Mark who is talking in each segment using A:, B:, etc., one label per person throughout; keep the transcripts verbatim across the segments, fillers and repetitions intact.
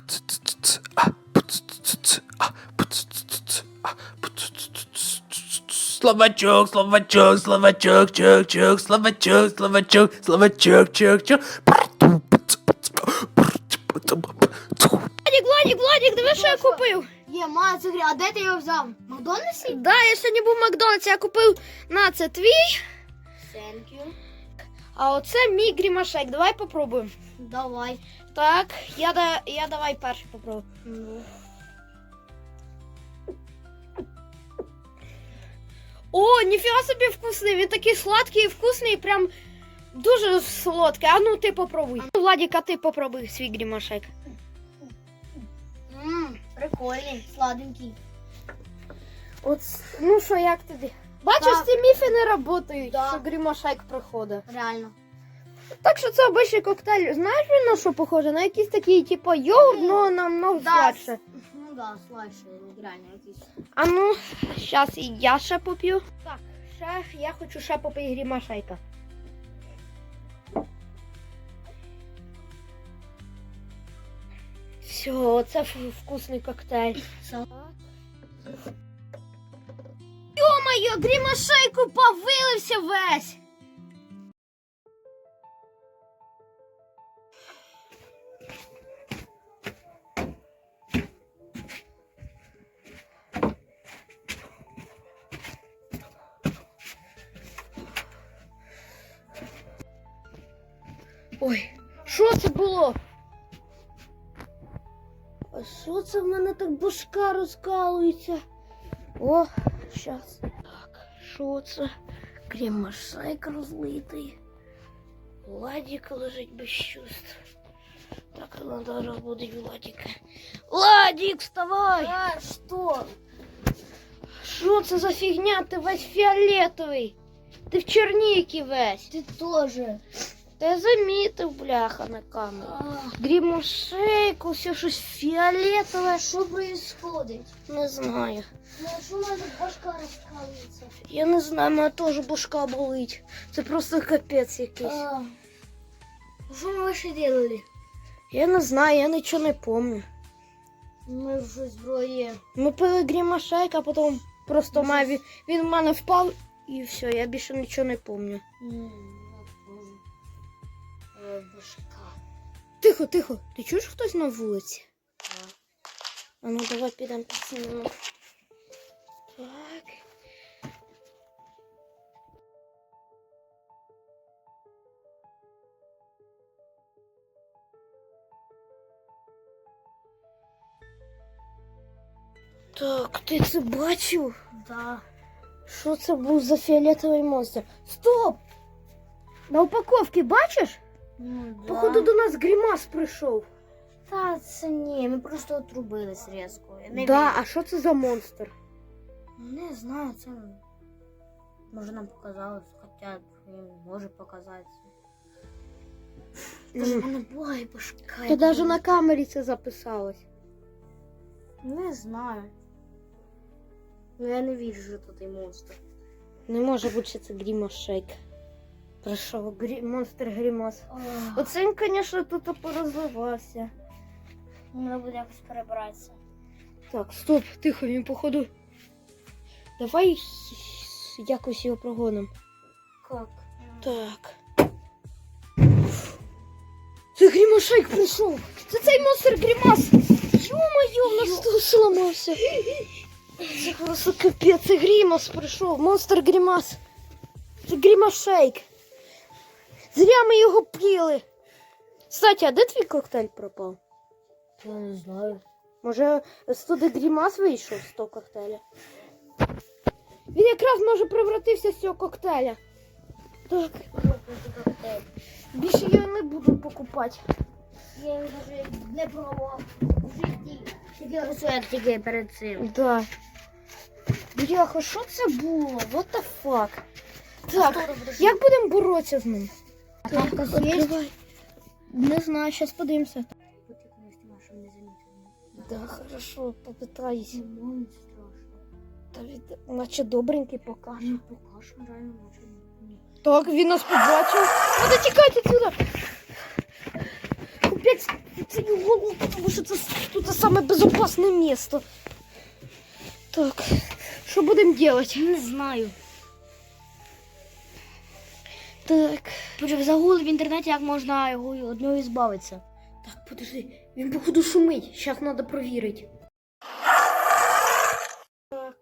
A: Словачок, словачок, словачок, чок, чок, словачок, словачок, словачок, чок, чок.
B: Владик, Владик, Владик, диви, що я купив.
C: Є, ма, це грі. А де ти його взяв? В Макдональдсі?
B: Да, я сьогодні був в Макдональдсі, я купив, на, це твій,
C: Thank you.
B: а оце мій грімашек. Давай попробуємо.
C: Давай.
B: Так, я, да, я давай перший попробую.
C: Ну.
B: О, ніфіга собі вкусний, він такий сладкий і вкусний, прям дуже солодкий. А ну ти попробуй. Владик, а ти попробуй свій грімашек.
C: Ммм, прикольний, сладенький.
B: От, ну що, як тобі? Бачиш,
C: Так.
B: ці міфи не працюють,
C: Да.
B: що грімашек приходить.
C: Реально.
B: Так що це обичний коктейль. Знаєш він на що похоже? На якийсь такий, типу, йогурт, але намного
C: Да,
B: сладше.
C: Ну да, сладше, реально якийсь.
B: А ну, зараз і я ще поп'ю. Так, ще я хочу ще попити грімашейка. Все, це ф- вкусний коктейль. Йо-моє, грімашейку повилився весь! Ой, що це було? А що це в мене так башка розкалується? О, щас. Так, що це? Грімашейк розлитий. Владик лежить без чувств. Так, треба розбудити Владика. Владик, вставай!
C: А, що?
B: Що це за фігня? Ти весь фіолетовий. Ти в черніки весь.
C: Ти теж.
B: Та я замітив, бляха, на камеру. Грімашейк, усе щось фіолетове.
C: Що происходить?
B: Не знаю.
C: Ну, а що в мене башка розкалується?
B: Я не знаю, мене теж башка болить. Це просто капець якийсь.
C: А, що ми ще робили?
B: Я не знаю, я нічого не пам'ятаю.
C: Ми вже зброї.
B: Ми пили грімашейк, а потім просто має, він, він в мене впав і все, я більше нічого не пам'ятаю.
C: Башка.
B: Тихо, тихо, ти чуєш хтось на вулиці? А ну давай підемо підсунемо. Так. Так, ти це бачив?
C: Да.
B: Що це був за фіолетовий монстр? Стоп! На упаковці бачиш?
C: Ну, да.
B: Походу до нас грімас прийшов.
C: Та це ні, ми просто отрубились різко. Я не
B: Да,
C: вірю.
B: а що це за монстр?
C: Не знаю, це може нам показалось, хоча він може показатися. Тож в мене була і башка.
B: Та навіть на камері це записалось.
C: Не знаю. Ну я не вірю, що тут і монстр.
B: Не може бути, що це грімашейк. Прийшов грі... монстр грімас.
C: Ох,
B: Оце він, звісно, тут порозливався.
C: треба буде якось перебратися.
B: Так, стоп, тихо, він походу. Давай якось його прогонимо.
C: Як?
B: Так. Це грімашейк прийшов! Це цей монстр грімас! Йо-моє, у нас тут зламався! Це просто капець, це грімас прийшов, монстр грімас! Це грімашейк! Зря ми його п'їли! Кстати, а де твій коктейль пропав?
C: Я не знаю.
B: Може, з туди грімас вийшов з того коктейля? Він якраз може превратився з цього коктейля. Так, більше я не буду покупати.
C: Я його навіть не пробував в житті. Тільки рецепт тільки перед цим.
B: Да. Бляха, що це було? What the fuck? Так, як будемо боротися з ним?
C: А там хтось є?
B: Відкривай. Не знаю, зараз подивимося.
C: Потрібно знімати, щоб не замітили.
B: Да, хорошо, попитаюсь.
C: Ну, не страшно.
B: Та від... наче добренький покаже.
C: Ну, покажемо, реально, може. Ні.
B: Так, він нас побачив. Надо тікати сюди. опять в цю голову, тому що це тут саме безпечне місце. Так, що будемо робити?
C: Не знаю.
B: Так.
C: Боже, загули в інтернеті, як можна його від нього збавитися.
B: Так, подожди, він походу шумить. Зараз треба перевірити. Так.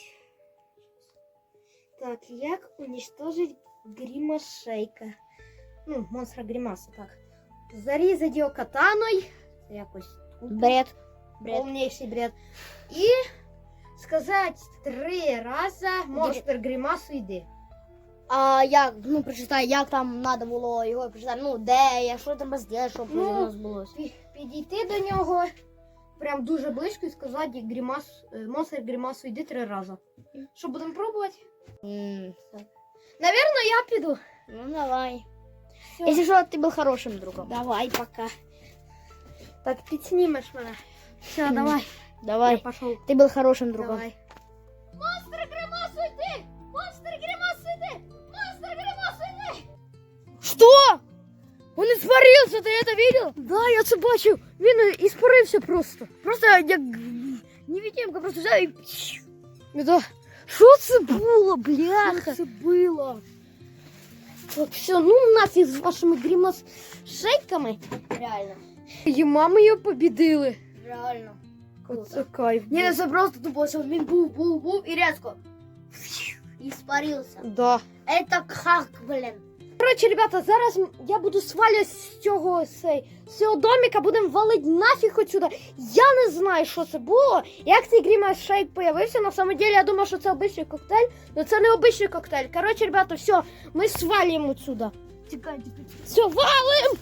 B: Так, як уничтожить Грімашейка? Ну, монстра Грімаса, так. Зарізати його катаною. Це якось
C: Бред. Бред.
B: повніший бред. І сказати три рази монстр Грімасу йди.
C: А як, ну, прочитай, як там треба було його прочитати, ну, де я, що треба зробити, щоб
B: Ну,
C: воно збулося.
B: Пі- Підійти до нього прям дуже близько і сказати Грімас, е, монстр Грімасу йди три рази. Що, будемо пробувати?
C: М, так.
B: Навірно, я піду.
C: Ну, давай.
B: Всё.
C: Если что, ты был хорошим другом.
B: Давай, пока. Так, підснімеш мене. Все,
C: Мгм.
B: давай.
C: Давай.
B: Я пошел.
C: Ты был хорошим другом.
B: Давай. Монстр Гримасу йди! Монстр Гримасу йди! Монстр Гримасу йди!
C: Что? Он испарился, ты это видел?
B: Да, я це бачив. Він іспарився просто.
C: Просто я невидимка просто взял и...
B: Да. Що це було, бляха?
C: Что было?
B: Так, все, ну нафіг з вашими гримас-шейками.
C: Реально.
B: І мами його побідили.
C: Реально.
B: Оце кайф.
C: Не,
B: був.
C: это просто тупо, что він був, був, був и резко испарился.
B: Да.
C: Это как, блин?
B: Коротше, ребята, зараз м- я буду свалювати з цього, сей, з цього домика, будемо валити нафіг отсюда. Я не знаю, що це було. Як цей Грімас Шейк появився, на самом деле я думав, що це обичний коктейль, але це не обичний коктейль. Коротше, ребята, все, ми свалюємо отсюда.
C: Тикай, тикай.
B: Все, валим!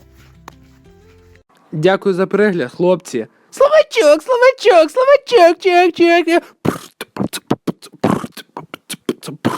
A: Дякую за перегляд, хлопці. Словачок, словачок, словачок, чок, чок.